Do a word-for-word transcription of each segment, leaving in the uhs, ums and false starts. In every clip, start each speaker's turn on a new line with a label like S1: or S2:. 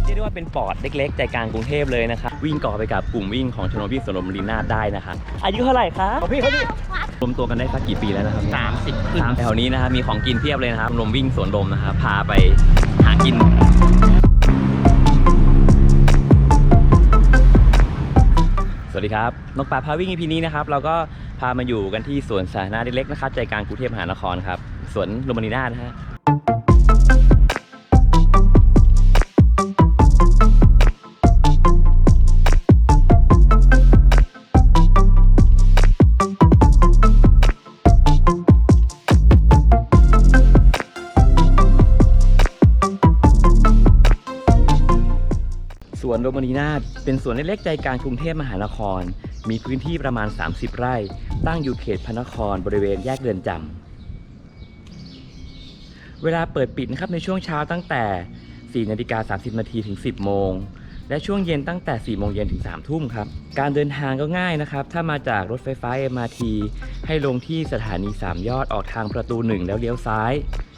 S1: เรียกได้ว่าเป็นปอดเล็กๆใจกลางกรุงเทพเลยนะครับวิ่งก่อไปกับกลุ่มวิ่งของชมรมวิ่งสวนลมลีนาศได้นะครับอายุเท่าไหร่ครับพี่เขาดิรวมตัวกันได้สักกี่ปีแล้วนะครับสามสิบขึ้นแถวนี้นะครับมีของกินเพียบเลยนะครับชมรมวิ่งสวนลมนะครับพาไปหากินสวัสดีครับนกป่าพาวิ่ง อี พี นี้นะครับเราก็พามาอยู่กันที่สวนสาธารณะเล็กๆนะครับใจกลางกรุงเทพมหานครครับสวนลมลีนาศนะฮะสวนลมลีนาศเป็นสวนเล็กๆใจกลางกรุงเทพมหานครมีพื้นที่ประมาณสามสิบไร่ตั้งอยู่เขตพระนครบริเวณแยกเรือนจำเวลาเปิดปิดนะครับในช่วงเช้าตั้งแต่สี่นาฬิกาสามสิบนาทีถึงสิบโมงและช่วงเย็นตั้งแต่สี่โมงเย็นถึงสามทุ่มครับการเดินทางก็ง่ายนะครับถ้ามาจากรถไฟฟ้า เอ็ม อาร์ ที ให้ลงที่สถานีสามยอดออกทางประตูหนึ่งแล้วเลี้ยวซ้าย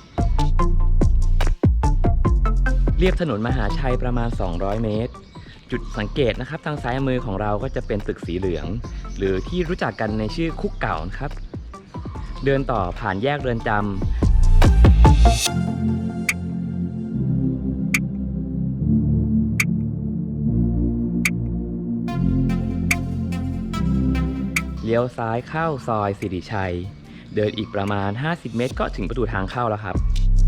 S1: เรียบถนนมหาชัยประมาณสองร้อยเมตรจุดสังเกตนะครับทางซ้ายมือของเราก็จะเป็นตึกสีเหลืองหรือที่รู้จักกันในชื่อคุกเก่าครับเดินต่อผ่านแยกเรือนจำเลี้ยวซ้ายเข้าซอยสิริชัยเดินอีกประมาณห้าสิบเมตรก็ถึงประตูทางเข้าแล้วครับ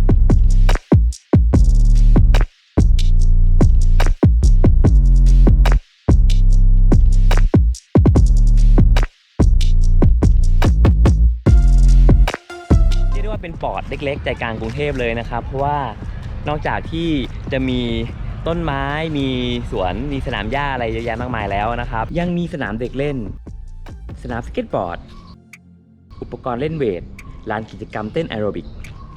S1: เป็นปอดเล็กๆใจกลางกรุงเทพเลยนะครับเพราะว่านอกจากที่จะมีต้นไม้มีสวนมีสนามหญ้าอะไรเยอะแยะมากมายแล้วนะครับยังมีสนามเด็กเล่นสนามสเก็ตบอร์ดอุปกรณ์เล่นเวทลานกิจกรรมเต้นแอโรบิก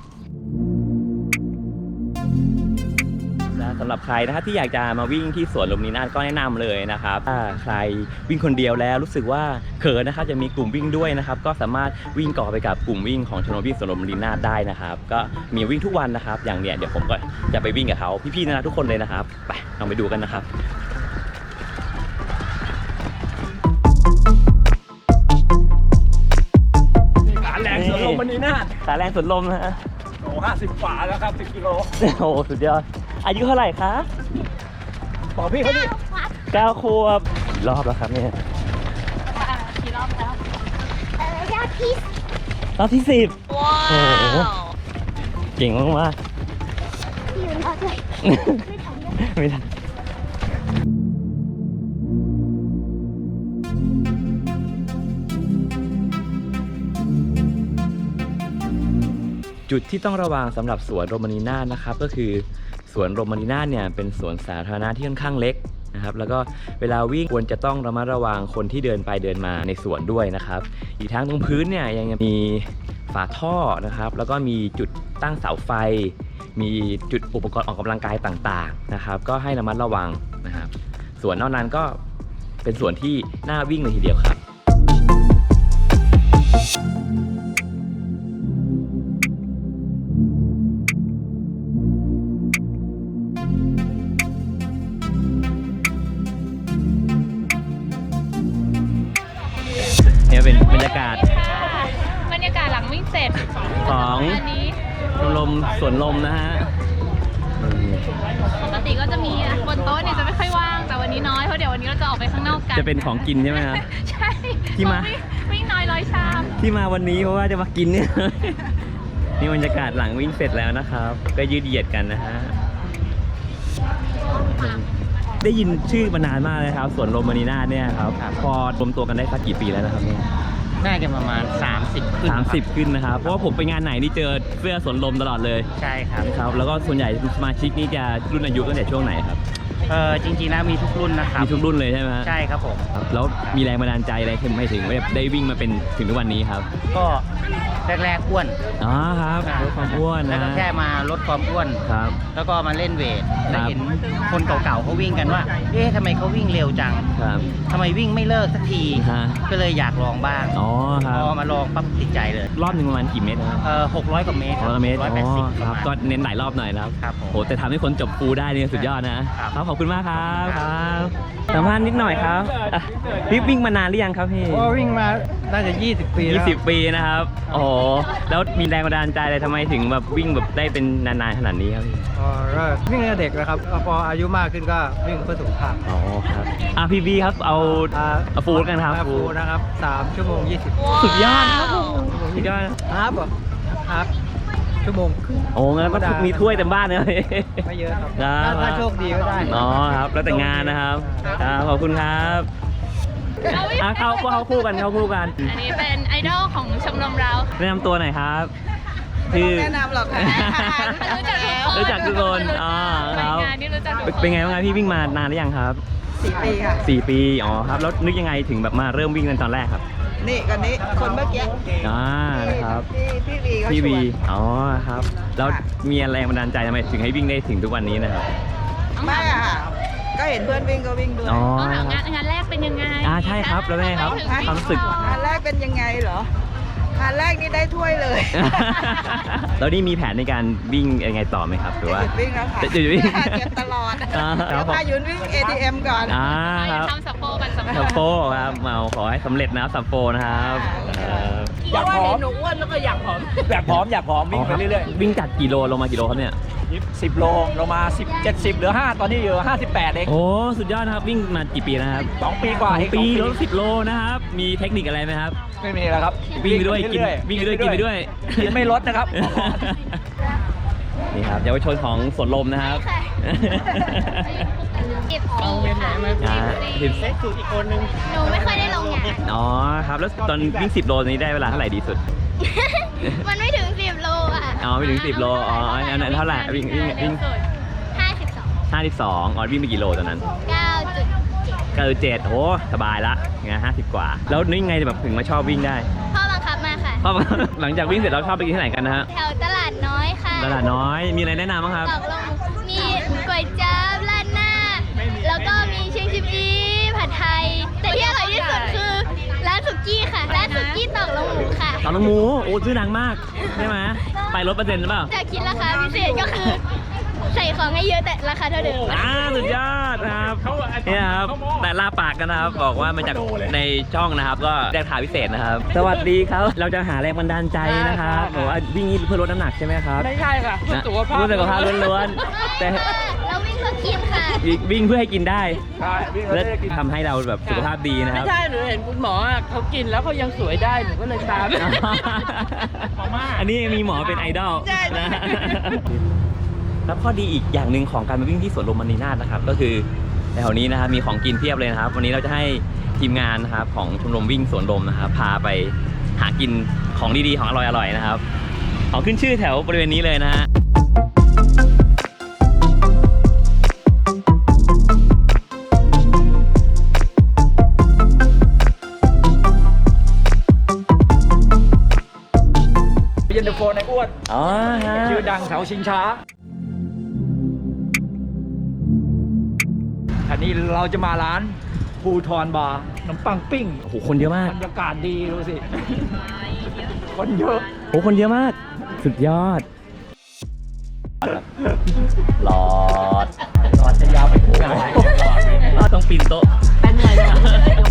S1: สำหรับใครนะครับที่อยากจะมาวิ่งที่สวนลมลีนาศก็แนะนำเลยนะครับถ้าใครวิ่งคนเดียวแล้วรู้สึกว่าเขินนะครับจะมีกลุ่มวิ่งด้วยนะครับก็สามารถวิ่งก่อไปกับกลุ่มวิ่งของชมรมวิ่งสวนลมลีนาศได้นะครับก็มีวิ่งทุกวันนะครับอย่างเนี้ยเดี๋ยวผมก็จะไปวิ่งกับเขาพี่ๆนะทุกคนเลยนะครับไปลองไปดูกันนะครับ
S2: ขาแรงสวนลมลีนาศ
S1: ขาแรงสวนลมนะฮะ
S2: โอ้ห้าสิบฝาแล้วครับสิบกิโล
S1: โอ้สุดยอดอายุเท่าไหร่คะ
S2: บอกพี่เขาดิ
S1: เก้าขวบรอบแล้วครับเนี่ย
S3: กี่รอบแล้วเออยอดที่
S1: รอบที่สิบ
S3: ว้าว
S1: เก่งมากมาก
S3: พี่ยืนรอด้วย
S1: ไม่ทันจุดที่ต้องระวังสำหรับสวนลมลีนาศนะครับก็คือสวนลมลีนาศเนี่ยเป็นสวนสาธารณะที่ค่อนข้างเล็กนะครับแล้วก็เวลาวิ่งควรจะต้องระมัดระวังคนที่เดินไปเดินมาในสวนด้วยนะครับอีกทั้งตรงพื้นเนี่ยยังมีฝาท่อนะครับแล้วก็มีจุดตั้งเสาไฟมีจุดอุปกรณ์ออกกำลังกายต่างๆนะครับก็ให้ระมัดระวังนะครับส่วนนอกนั้นก็เป็นสวนที่น่าวิ่งเลยทีเดียวครับเนี่ยเป็นบรรยากาศ
S3: บรรยากาศหลังวิ่งเสร็จ
S1: ของชมรมสวนลมนะฮะ
S3: ปกติก็จะมีบนโต๊ะเนี่ยจะไม่ค่อยว่างแต่วันนี้น้อยเพราะเดี๋ยววันนี้เราจะออกไปข้างนอกกัน
S1: จะเป็นของกินใช่ไหมครับ
S3: ใช่
S1: ที่มา
S3: วิ่งน้อยร้อยชาม
S1: ที่มาวันนี้เพราะว่าจะมากินเนี่ยนี่บรรยากาศหลังวิ่งเสร็จแล้วนะครับก็ยืดเหยียดกันนะฮะได้ยินชื่อมานานมากเลยครับสวนลมลีนาศเนี่ยครับพอรวมตัวกันได้สักกี่ปีแล้วนะครับเนี่ย
S2: น่าจะประมาณสามสิบขึ้น
S1: สามสิบขึ้นนะครับเพราะว่าผมไปงานไหนนี่เจอเสื้อสวนลมตลอดเลย
S2: ใช่ครับ
S1: ครับแล้วก็ส่วนใหญ่สมาชิกนี่จะรุ่นอายุตั้งแต่ช่วงไหนครับ
S2: เออจริงๆแล้วมีทุกรุ่นนะครับ
S1: มีทุกรุ่นเลยใช่ไหมฮะ
S2: ใช่ครับผม
S1: ครับแล้วมีแรงบันดาลใจอะไรถึงไม่ถึงแบบได้วิ่งมาเป็นถึงทุกวันนี้ครับ
S2: ก็แรกๆอ้วน
S1: อ๋อครับลดความอ้วน
S2: แล้ว
S1: นะ
S2: ก็แค่มาลดความอ้วน
S1: ครับ
S2: แล้วก็มาเล่นเวท แล้ว
S1: ครับ
S2: เห็นคนเก่าๆเขาวิ่งกันว่า เอ๊ะทำไมเขาวิ่งเร็วจัง
S1: ครับ
S2: ทำไมวิ่งไม่เลิกสักที
S1: ฮะ
S2: ก็เลยอยากลองบ้าง
S1: อ๋อค
S2: พ
S1: รับ
S2: อมาลองปั๊บติดใจเลย
S1: รอบหนึ่งประมาณกี่เมตรนะครับ
S2: เออหกร้อยกว่าเมตร
S1: ร้อยเมตร
S2: ร้อย
S1: อ๋
S2: แปดสิบ
S1: อ
S2: ป
S1: ค
S2: ระ
S1: รับ
S2: มาณ
S1: ก็เน้นหลายรอบหน่อยนะครับ
S2: ครับผม
S1: โหแต่ทำให้คนจบฟูได้เนี่ยสุดยอดนะครับ ครับขอบคุณมากครับ
S2: ค
S1: ค
S2: รั
S1: รับ บสัมภาษณ์นิดหน่อยครับอ่ะพี่วิ่งมานานหรือยังครับพี่
S4: ก็วิ่งมาน่าจะ ยี่สิบ ปีแล้ว
S1: ยี่สิบปีนะครับโอ้โหแล้วมีแรงบันดาลใจอะไรทำไมถึงแบบวิ่งแบบได้เป็นนานๆขนาดนี้ครับพี่
S4: อ๋อก็วิ่งตั้งแต่เด็กแล้วครับพออายุมากขึ้นก็วิ่งเพื่อสุขภาพ
S1: อ๋อครับอ่ะพี่บีครับเอา
S4: อ่า
S1: เอาฟูดกันครับ
S4: ฟูดนะครับสามชั่วโมงยี่สิบ
S1: สุดยอดครับสุดยอด
S4: ฮาร์ฟเหรอฮาร์ฟชั่วโมงครึ่ง
S1: โอ้งั้นก็มีถ้วยเต็มบ้านเลย
S4: ไม่เยอะครับ
S1: ครับ
S4: ถ้าถ้าโชคดีก็ได้
S1: อ๋อครับแล้วแต่งานนะครับครับขอบคุณครับอ่ะเข้าเข้าคู่กันเข้าคู่กัน
S3: อันนี้เป็นไอดอลของชมรมเรา
S1: แนะนำตัวหน่อยครับชื่อ
S5: แนะนำหรอกค่ะ
S3: รู้จักทุกคน
S1: รู้จักทุกคนอ๋อครับ
S3: ในงานนี่รู้จักทุกคน
S1: เป็นไงบ้างครับพี่วิ่งมานานหรือยังครับ
S5: สี่ปีค่ะ
S1: สี่ปีอ๋อครับแล้วนึกยังไงถึงแบบมาเริ่มวิ่งกันตอนแรกครับ
S5: นี่คนนี้คนเมื่อกี้
S1: อ่านะครับ
S5: พี่พี่วีเขา
S1: พี่
S5: ชว
S1: วี
S5: น
S1: อ๋อครับแล้วมีแรงบันดาลใจทำไมถึงให้วิ่งได้ถึงทุกวันนี้นะครับ
S5: ไม่อะค่ะ ก็เห็นเพื่อนวิ่งก็วิ่งด้วย
S1: อ๋อ
S3: ต้องถาม
S1: ค
S3: งา
S1: รับ
S3: นงานแรกเป็นยังไง
S1: อ่าใช่ครับแล้วไงครับ
S3: ทำไถึง
S1: ความรู้สึก
S5: งานแรกเป็นยังไงเหรอ งานแรกนี่ได้ถ้วยเลย
S1: แล้วนี่มีแผนในการวิ่งยังไงต่อไหมครับหรือ
S5: จะ
S1: ว่า
S5: หยุดวิ่งแล้วค่ะ
S1: จะหยุดวิ่ง
S5: เก็บตลอด
S1: อ่าค
S5: เดี๋
S1: รั
S5: ย
S1: บ
S5: วพายุนวิ่ง เอ ที เอ็ม ก่อน
S1: อ่าครับ
S3: ทำสัปโปกันสัป
S1: สัป
S3: โป
S1: โปครับเอาขอให้สำเร็จนะครับสัปโปนะครับเอ่อ
S2: อยากผอมหนูอ้วนแล้วก็อยากผอม อยากผอมอยากผอมวิ่งไปเรื่อย
S1: วิ่งจัดกี่โลลงมากี่โลครับเนี่ย
S2: ๆสิบโลลงมาสิบ เจ็ดสิบเหลือห้าตอนนี้อยู่ห้าสิบแปดเอง
S1: โอ้สุดยอดนะครับวิ่งมากี่ปีนะครับ
S2: สองปีกว่า
S1: สอง
S2: เอง
S1: ปี
S2: ส
S1: ล
S2: อง
S1: ดสิบโลนะครับมีเทคนิคอะไรไหมครับ
S2: ไม่มีแล้วครับ
S1: วิ่งไปด้วยกิน
S2: เรื่อ
S1: วิ่งไปด้วยกินไปด้วย
S2: กินไม่ลดนะครับ
S1: นี่ครับเยาวชนของสวนลมนะครับ
S3: เก็บปีค่ะ
S1: อ่าสิบ
S2: สูตรอีกคนนึง
S3: หนูไม่ค่อยได้ลงงาน
S1: อ๋อครับแล้วตอนวิ่งสิบโลนี้ได้เวลาเท่าไหร่ดีสุด
S3: มันไม่ถึงสิบโลอ่ะ
S1: อ๋อไม่ถึงสิบโลอ๋ออันนั้นเท่าไหร่วิ่งวิ่งวิ่ง
S3: ห้าสิบสอง
S1: ห้าสิบสองอ๋อวิ่งไปกี่โลตอนนั้น
S3: เก้าจุดเจ็ด
S1: ก็คือเจ็ดโอ้สบายละไงห้าสิบกว่า แล้วนึกยังไงแบบถึงมาชอบวิ่งได้
S3: พ่อบังคับมาค่ะ
S1: เพราะว่า หลังจากวิ่งเสร็จเราชอบไปกินที่ไหนกันนะฮะ
S3: แถวตลาดน้อยค่ะ
S1: ตลาดน้อยมีอะไรแนะนำบ้างครับ
S3: ตกลงมีก๋วยจั๊บราดหน้า แล้วก็มีเชียงชิมอีผัดไทย แต่ที่อร่อยที่สุดคือร้านสุกี้ค่ะ ร้านสุกี้ตอกลงหมูค่ะ
S1: ตอนน้องหมูโอ้ชื่อดังมากใช่ไหมไปลดเปอร์เซ็นต์หรือเปล่า
S3: จะคิดราคาพิเศษก็คือ ใส่ของให้เยอะแต่ราคาเท่าเดิม
S1: อ่าสุดยอดนะครับเนี่ยครับแต่ลาปากกันนะครับบอกว่ามาจากในช่องนะครับ ก็ได้ราคาพิเศษนะครับ สวัสดีครับเราจะหาแรงบันดาลใจนะครับบอกว่าวิ่งนี้เพื่อลดน้ำหนักใช่ไหมครับ
S2: ไม่ใช่ค่ะเพื่อสุขภาพ
S1: เพื่อสุขภาพล้วนๆแต่
S3: เราวิ่งเพื่อกินค่ะ
S1: วิ่งเพื่อให้กินได้
S2: ใช่วิ่งแล้ว
S1: และ
S2: ได้กิน
S1: ทำให้เราแบบสุขภาพดีนะครับ
S6: ไม่ใช่ หนูเห็นคุณหมออะเขากินแล้วเขายังสวยได้ หนูก็เลยตาม
S1: อันนี้มีหมอเป็นไอดอล
S5: ใช่
S1: นะแล้วข้อดีอีกอย่างหนึ่งของการมาวิ่งที่สวนลมมณีนาถนะครับ ก็คือแถวนี้นะครับมีของกินเพียบเลยนะครับ วันนี้เราจะให้ทีมงานนะครับของชมรมวิ่งสวนลมนะครับ พาไปหากินของดีๆของอร่อยๆนะครับ ของขึ้นชื่อแถวบริเวณนี้เลยนะฮะ
S2: เย็นตาโฟในอ้วน
S1: อ๋อฮะ
S2: ชื่อดังแถวชิงช้า อันนี้เราจะมาร้านภูทรบาร์น้ำปังปิ้ง
S1: โอ้โหคนเยอะมาก
S2: บรรยากาศดีดูสิ คนเยอะ
S1: โอ้คนเยอะมาก สุดยอดหลอด
S2: ตอนจะยาวไปถึงไหน
S1: ต้องปีนโต๊ะเป็นไง